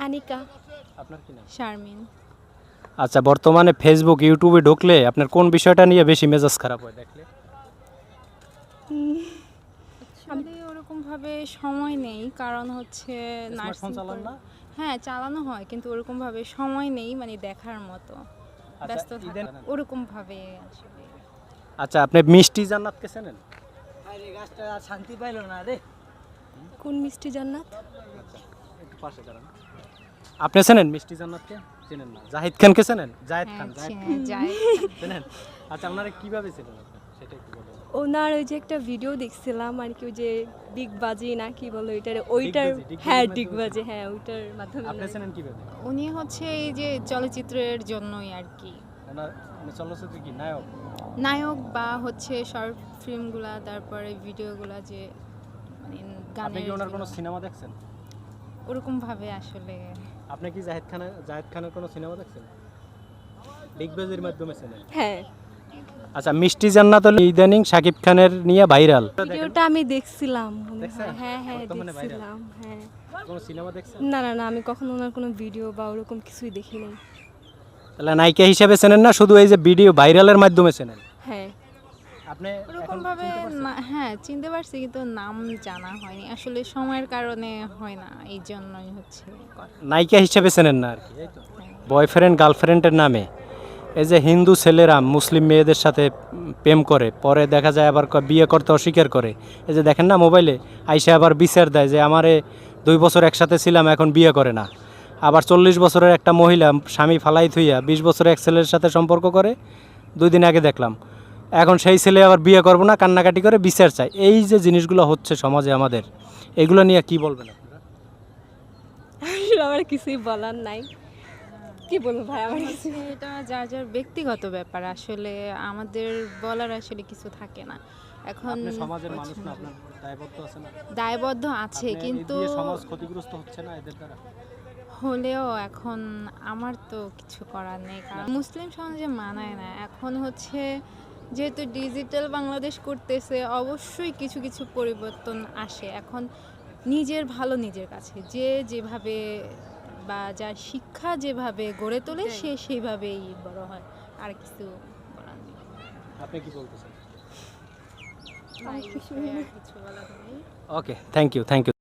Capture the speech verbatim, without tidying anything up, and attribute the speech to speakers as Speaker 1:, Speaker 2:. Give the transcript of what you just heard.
Speaker 1: আনিকা।
Speaker 2: আপনার কি নাম?
Speaker 1: শারমিন।
Speaker 2: আচ্ছা, বর্তমানে ফেসবুক ইউটিউবে ঢুকলে আপনার কোন বিষয়টা নিয়ে বেশি মেজাজ খারাপ হয় দেখলে?
Speaker 1: আসলে ওরকম ভাবে সময় নেই, কারণ হচ্ছে নার্সিং
Speaker 2: চালান না?
Speaker 1: হ্যাঁ চালানো হয়, কিন্তু ওরকম ভাবে সময় নেই মানে দেখার মতো, ব্যস্ত থাকা ওরকম ভাবে আসলে।
Speaker 2: আচ্ছা, আপনি মিষ্টি জান্নাতকে চেনেন?
Speaker 3: আরে গাছটা শান্তি পাইলো না রে।
Speaker 1: কোন মিষ্টি জান্নাত?
Speaker 2: একটু পাশে দাঁড়ান। আপনি চেনেন মিষ্টি জান্নাতকে? চেনেন না? জাহিদ খানকে চেনেন? জাহিদ খান, জাহিদ খান চেনেন? আচ্ছা, আপনারা কিভাবে চেনেন আপনি সেটা একটু বলুন।
Speaker 4: ওনার ওই যে একটা ভিডিও দেখছিলাম আর কি, ওই যে ডিগবাজি না কি বলে ওইটার, ওইটার
Speaker 2: ডিগবাজি, ডিগবাজির
Speaker 4: হ্যাঁ
Speaker 2: মাধ্যমে
Speaker 4: ডিগবাজি, হ্যাঁ ওইটার মাধ্যমে।
Speaker 2: আপনি চেনেন কিভাবে?
Speaker 1: উনি হচ্ছে এই যে চলচ্চিত্রের জন্যই আর কি,
Speaker 2: ওনার মানে চলচ্চিত্রে কি নায়ক?
Speaker 1: নায়ক বা হচ্ছে শর্ট ফিল্মগুলা, তারপরে ভিডিওগুলা যে মানে
Speaker 2: আপনি কি
Speaker 1: গানের
Speaker 2: ওনার কোনো
Speaker 1: যেগুলো,
Speaker 2: সিনেমা দেখছেন?
Speaker 1: ওরকম ভাবে আসলে।
Speaker 2: আপনি কি জাহিদ খানের জাহিদ খানের কোনো সিনেমা দেখছেন? ডিগবাজির মাধ্যমে চেনেন?
Speaker 4: হ্যাঁ
Speaker 2: আচ্ছা, মিষ্টি জান্নাত হলো ইদানিং শাকিব খানের নিয়ে ভাইরাল।
Speaker 4: ভিডিওটা আমি দেখছিলাম মনে হয়।
Speaker 2: দেখছেন?
Speaker 4: হ্যাঁ হ্যাঁ
Speaker 2: বর্তমানে viral।
Speaker 4: দেখছিলাম হ্যাঁ।
Speaker 2: কোনো সিনেমা দেখছেন?
Speaker 4: না না না, আমি কখনো ওনার কোনো ভিডিও বা ওরকম কিছুই দেখিনি।
Speaker 2: তাহলে নায়িকা হিসেবে চেনেন না, শুধু এই যে ভিডিও ভাইরালের মাধ্যমে চেনেন?
Speaker 4: হ্যাঁ
Speaker 2: আপনি
Speaker 1: ওরকম
Speaker 2: এখন
Speaker 1: ভাবে
Speaker 2: চিনতে পারছেন?
Speaker 1: না- হ্যাঁ চিনতে পারছি, কিন্তু নাম জানা হয়নি আসলে, সময়ের কারণে হয় না, এই জন্যই হচ্ছে কথা।
Speaker 2: নায়িকা হিসেবে চেনেন না আর কি, এই তো। বয়ফ্রেন্ড গার্লফ্রেন্ডের নামে এই যে হিন্দু ছেলেরা মুসলিম মেয়েদের সাথে উম, প্রেম করে, পরে দেখা যায় আবার ক- বিয়ে করতে অস্বীকার করে। এই যে দেখেন না মোবাইলে আইসা আবার বিচার দেয় যে আমারে দুই বছর একসাথে ছিলাম এখন বিয়ে করে না। আবার চল্লিশ বছরের একটা মহিলা স্বামী ফালাই থুইয়া বিশ বছরের এক ছেলের সাথে সম্পর্ক করে, দুই দিন আগে দেখলাম। এখন সেই ছেলে আবার বিয়ে করবো না, কান্নাকাটি করে বিচার চায়। এই যে জিনিসগুলো হচ্ছে সমাজে আমাদের, এগুলো নিয়ে কি বলবেন আপনারা?
Speaker 4: আসলে আমার কিছুই বলার নাই, কি বলবো ভাই আমার কিছু।
Speaker 1: হচ্ছে এটা যার যার ব্যক্তিগত ব্যাপার, আসলে আমাদের বলার আসলে কিছু থাকে না এখন।
Speaker 2: আপনি সমাজের মানুষ না, আপনার দায়বদ্ধ আছে না?
Speaker 1: দায়বদ্ধ আছে,
Speaker 2: আপনি এই
Speaker 1: কিন্তু
Speaker 2: দিয়ে সমাজ ক্ষতিগ্রস্ত হচ্ছে না এদের দ্বারা?
Speaker 1: হলেও এখন আমার তো কিছু করার নেই, কারণ মুসলিম সমাজে মানায় না। এখন হচ্ছে যেহেতু ডিজিটাল বাংলাদেশ করতেছে, অবশ্যই কিছু কিছু পরিবর্তন আসে। এখন নিজের ভালো নিজের কাছে, যে যেভাবে বা যার শিক্ষা যেভাবে গড়ে তোলে সে সেইভাবেই বড় হয়, আর কিছু বলার নেই।
Speaker 2: আপনি কি বলতেছেন?
Speaker 1: না, এই বিষয়ে আর কিছু বলার নেই।
Speaker 2: Okay, thank you, thank you.